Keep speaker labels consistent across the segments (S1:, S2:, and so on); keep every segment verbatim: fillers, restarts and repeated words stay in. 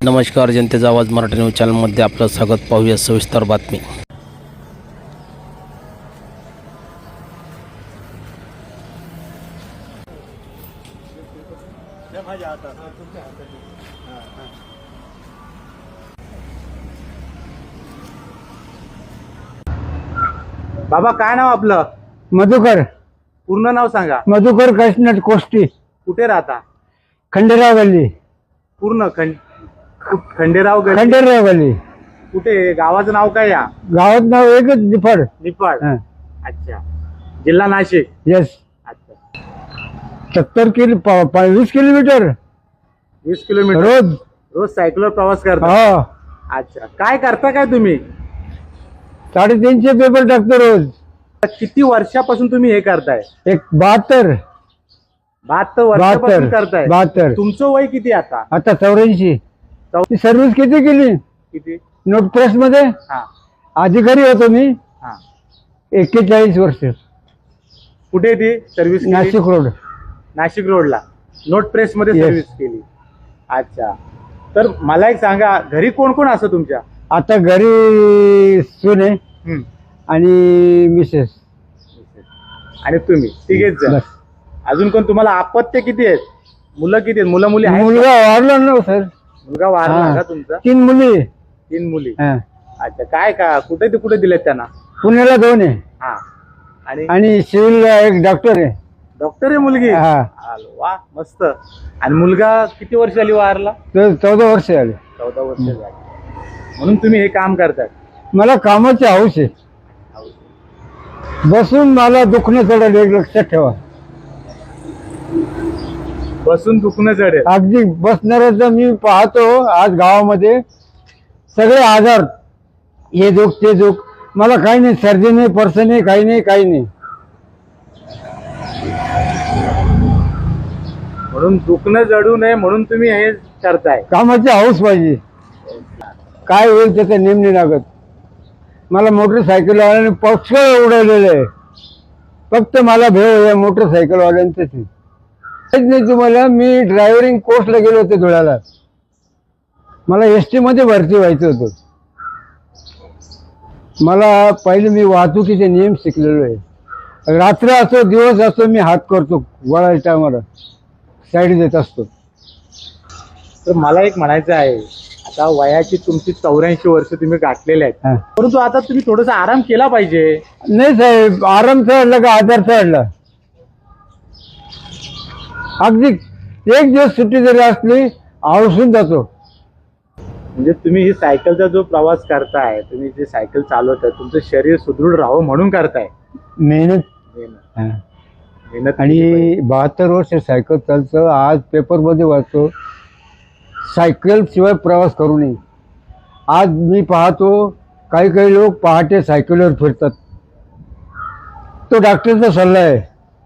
S1: नमस्कार, जनतेचा आवाज मराठी न्यूज चॅनलमध्ये आपलं स्वागत. पाहूया सविस्तर बातमी.
S2: बाबा काय नाव आपलं?
S3: मधुकर.
S2: पूर्ण नाव सांगा.
S3: मधुकर कृष्ण कोष्टी.
S2: कुठे राहता?
S3: खंडेराव गल्ली.
S2: पूर्ण खंड खंडेराव गल्ली.
S3: खंडेराव गल्ली.
S2: कुठे? गावाचं नाव काय? या
S3: गावात नाव एकच निफाड.
S2: निफाड.
S3: हा.
S2: अच्छा. जिल्हा नाशिक.
S3: यस.
S2: अच्छा.
S3: सत्तर किलो प- प- वीस किलोमीटर
S2: वीस किलोमीटर
S3: रोज.
S2: रोज सायकलवर प्रवास करता?
S3: हा.
S2: अच्छा. काय करता काय तुम्ही?
S3: साडेतीनशे पेपर टाकतो रोज.
S2: किती वर्षापासून तुम्ही हे करताय?
S3: एक बहात्तर
S2: बहात्तर वर्षापासून
S3: बहात्तर
S2: करताय?
S3: बहात्तर.
S2: तुमचं वय किती आता?
S3: आता चौऱ्याऐंशी.
S2: चौ-
S3: सर्व्हिस किती केली?
S2: किती?
S3: नोट प्रेस मध्ये
S2: हा
S3: अधिकारी होतो मी.
S2: हा.
S3: एक्केचाळीस वर्ष.
S2: कुठे ती सर्व्हिस?
S3: नाशिक रोड.
S2: नाशिक रोडला नोट प्रेस मध्ये
S3: Yes.
S2: सर्व्हिस केली. अच्छा. तर मला एक सांगा, घरी कोण कोण असं तुमच्या?
S3: आता घरी सुने
S2: हम्म.
S3: आणि मिसेस.
S2: आणि तुम्ही तिघेच जण.
S3: बस.
S2: अजून कोण? तुम्हाला अपत्य किती आहेत? मुलं किती आहेत? मुलं मुली आहेत?
S3: मुलगा वारला ना सर.
S2: मुलगा वारला
S3: हा.
S2: का तुमचा?
S3: तीन मुली.
S2: तीन मुली.
S3: हा.
S2: अच्छा. काय का कुठे ते कुठे दिलेत त्यांना?
S3: पुण्याला दोन आहे
S2: हा. आणि
S3: आणि सिव्हिलला एक डॉक्टर आहे.
S2: डॉक्टर आहे मुलगी?
S3: हा.
S2: आलो, वा मस्त. आणि मुलगा किती वर्ष झाली वारला?
S3: तर चौदा वर्ष झाले.
S2: चौदा वर्ष झाली. म्हणून तुम्ही हे काम करताय?
S3: मला कामाची हौस आहे. बसून मला दुखणं चढेल एक लक्षात ठेवा.
S2: बसून दुखणं चढेल?
S3: अगदी बसणाऱ्याचं मी पाहतो आज गावामध्ये सगळे आजार, हे दुख ते दुख. मला काही नाही, सर्दी नाही, पर्स नाही, काही नाही, काही नाही.
S2: म्हणून दुखणं जडू नये म्हणून तुम्ही हे करताय?
S3: कामाची हौस पाहिजे. काय होईल त्याचा नेम नाही लागत. मला मोटरसायकलवाल्याने पक्ष उडवलेलं आहे. फक्त मला भेव या मोटरसायकलवाल्यांचंच आहे. माहित नाही तुम्हाला, मी ड्रायव्हरिंग कोर्सला गेलो होते धुळ्याला. मला एस टी मध्ये भरती व्हायचं होतं. मला पहिले मी वाहतुकीचे नियम शिकलेलो आहे. रात्र असो दिवस असो मी हात करतो. वळायच्या टायमाला साईड देत असतो.
S2: तर मला एक म्हणायचं आहे, आता वयाची तुमची चौऱ्याऐंशी वर्ष तुम्ही गाठलेले आहेत,
S3: हा.
S2: परंतु आता तुम्ही थोडासा आराम केला पाहिजे.
S3: नाही साहेब, आराम चढला का आजार चढला. अगदी एक दिवस सुट्टी जरी असली आवसून जातो.
S2: म्हणजे तुम्ही ही सायकलचा जो प्रवास करताय, तुम्ही जे सायकल चालवताय, तुमचं शरीर सुदृढ राहावं म्हणून करताय
S3: मेहनत.
S2: मेहनत.
S3: हा.
S2: मेहनत केली पाहिजे.
S3: आणि बहात्तर वर्ष सायकल चालतं. आज पेपरमध्ये वाचतो सायकल शिवाय प्रवास करू नये. आज मी पाहतो काही काही लोक पहाटे सायकलवर फिरतात. तो डॉक्टरचा सल्ला आहे.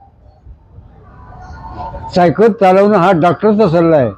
S3: सायकल चालवणं हा डॉक्टरचा सल्ला आहे.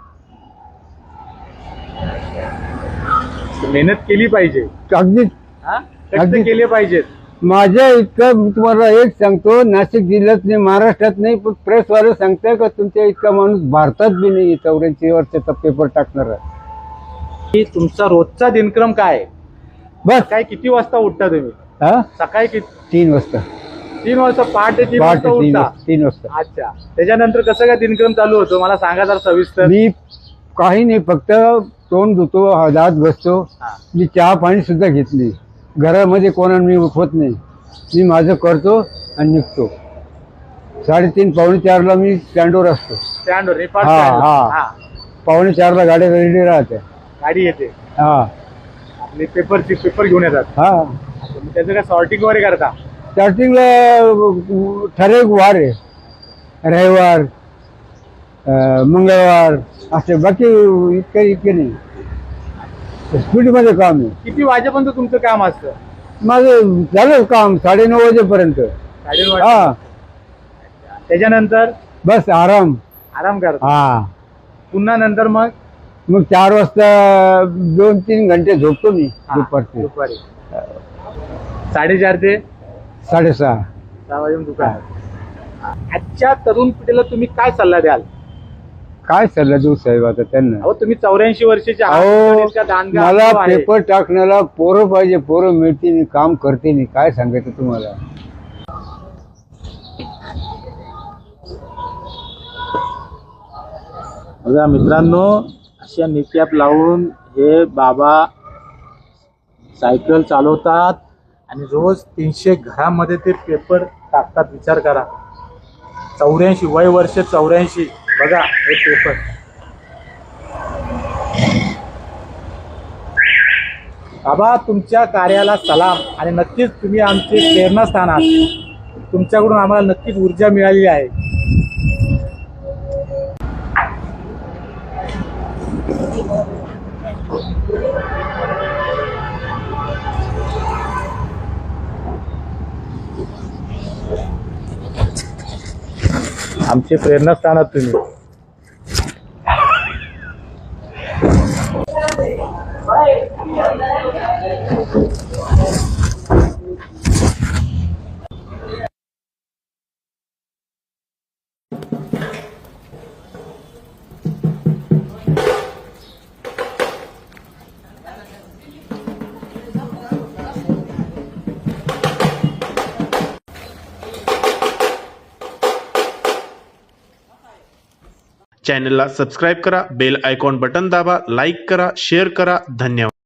S2: मेहनत केली पाहिजे.
S3: अगदी
S2: हा? कष्ट
S3: अगदी.
S2: केले पाहिजेत.
S3: माझ्या इतकं मी तुम्हाला एक सांगतो, नाशिक जिल्ह्यात नाही, महाराष्ट्रात नाही, पण प्रेसवाले सांगताय का तुमच्या इतका माणूस भारतात बी नाही चौऱ्याऐंशी वर्षाचा पेपर टाकणार आहे.
S2: की तुमचा रोजचा दिनक्रम काय आहे?
S3: बस.
S2: काय किती वाजता उठता तुम्ही?
S3: हा.
S2: सकाळी किती?
S3: तीन वाजता.
S2: तीन वाजता पहाटे तीन
S3: पहाटे
S2: वाजता
S3: तीन
S2: उठता?
S3: वाजता तीन वाजता.
S2: अच्छा. त्याच्यानंतर कसं काय दिनक्रम चालू होतो मला सांगा जरा सविस्तर.
S3: मी काही नाही, फक्त तोंड धुतो, दात घसतो.
S2: हा.
S3: मी चहा पाणी सुद्धा घेतली. घरामध्ये कोणाला मी उठवत नाही. मी माझं करतो आणि निघतो. साडेतीन पावणे चारला मी स्टँडवर असतो.
S2: स्टँडवर निफाड
S3: हा,
S2: स्टँडवर.
S3: हा.
S2: हा.
S3: पावणे चारला गाड्या रेडी राहते.
S2: गाडी येते
S3: हा
S2: आपली पेपरची पेपर घेऊन येतात.
S3: हा.
S2: तुम्ही त्याचं काय सॉर्टिंग वगैरे करता?
S3: स्टार्टिंगला ठराविक वार आहे, रविवार, अं, मंगळवार असे. बाकी इतकं इतके नाही. स्पीडमध्ये काम आहे.
S2: किती वाजेपर्यंत तुमचं काम असतं?
S3: माझं झालं काम साडेनऊ वाजेपर्यंत.
S2: साडेनऊ
S3: हा.
S2: वाजता. त्याच्यानंतर
S3: बस आराम.
S2: आराम करता.
S3: हा.
S2: पुन्हा नंतर मग
S3: मग चार वाजता दोन तीन घंटे झोपतो मी
S2: हा,
S3: दुपारचे.
S2: दुपारी साडेचार ते
S3: साडेसहा.
S2: सहा वाजून दुकान. आजच्या तरुण पिढीला तुम्ही काय सल्ला द्याल?
S3: काय सल्ला देऊ साहेब आता त्यांना?
S2: अहो तुम्ही चौऱ्याऐंशी वर्षाचे आहात,
S3: अहो
S2: इतका दांडगा
S3: मला
S2: अनुभव आहे.
S3: पेपर टाकण्याला पोरं पाहिजे, पोरं मिळतील, काम करतील, काय सांगायचं तुम्हाला?
S2: बघा मित्रांनो, अशा निकॅप लावून हे बाबा सायकल चालवतात आणि रोज तीनशे घरामध्ये ते पेपर टाकतात. विचार करा, चौऱ्याऐंशी वय वर्ष चौऱ्याऐंशी. बघा हे पेपर. बाबा तुमच्या कार्याला सलाम आणि नक्कीच तुम्ही आमचे प्रेरणास्थान आहात. तुमच्याकडून आम्हाला नक्कीच ऊर्जा मिळालेली आहे. आमचे प्रेरणास्थान आहात तुम्ही.
S4: चॅनलला सबस्क्राईब करा, बेल आयकॉन बटन दाबा, लाईक करा, शेअर करा. धन्यवाद.